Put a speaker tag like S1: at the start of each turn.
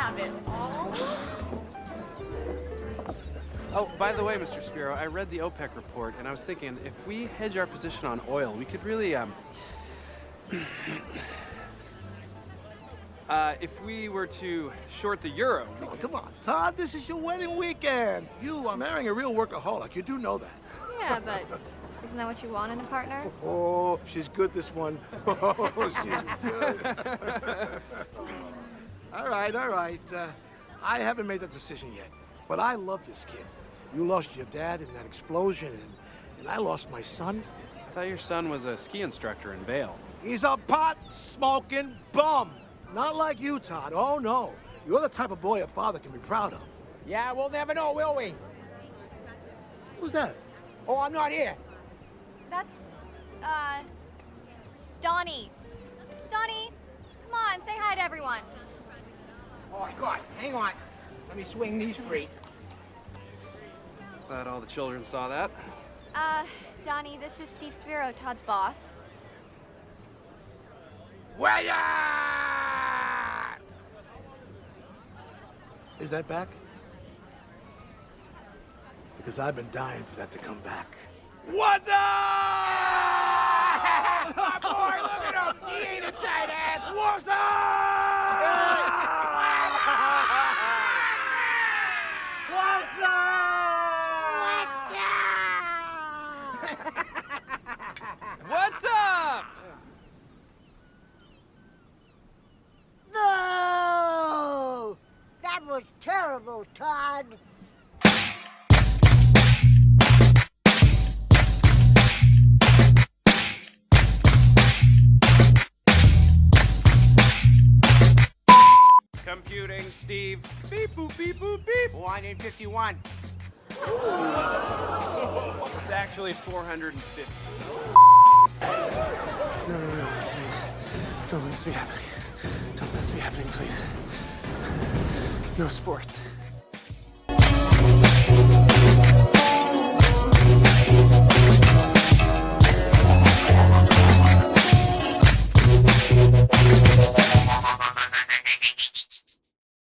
S1: have it all.
S2: Oh, by the way, Mr. Spiro, I read the OPEC report, and I was thinking, if we hedge our position on oil, we could really, if we were to short the euro...
S3: Oh, come on, Todd, this is your wedding weekend. You are marrying a real workaholic. You do know that.
S4: Yeah, but isn't that what you want in a partner?
S3: Oh, she's good, this one. Oh, she's good. All right. I haven't made that decision yet, but I love this kid. You lost your dad in that explosion, and I lost my son.
S2: I thought your son was a ski instructor in Vail.
S3: He's a pot-smoking bum. Not like you, Todd. Oh, no. You're the type of boy a father can be proud of.
S5: Yeah, we'll never know, will we?
S3: Who's that?
S5: Oh, I'm not here.
S4: That's, Donnie. Donnie, come on, say hi to everyone.
S5: Oh, God, hang on. Let me swing these free.
S2: Glad all the children saw that.
S4: Donnie, this is Steve Spiro, Todd's boss.
S5: William!
S3: Is that back? Because I've been dying for that to come back.
S5: What's up? My boy, look at him. He ain't a tight ass. What's up? What's up?
S2: What's up?
S6: No! That was terrible, Todd.
S2: Computing, Steve. Beep, boop, beep, boop, beep.
S5: 151.
S2: It's actually 450.
S3: No, please. Don't let this be happening. Don't let this be happening, please. No sports.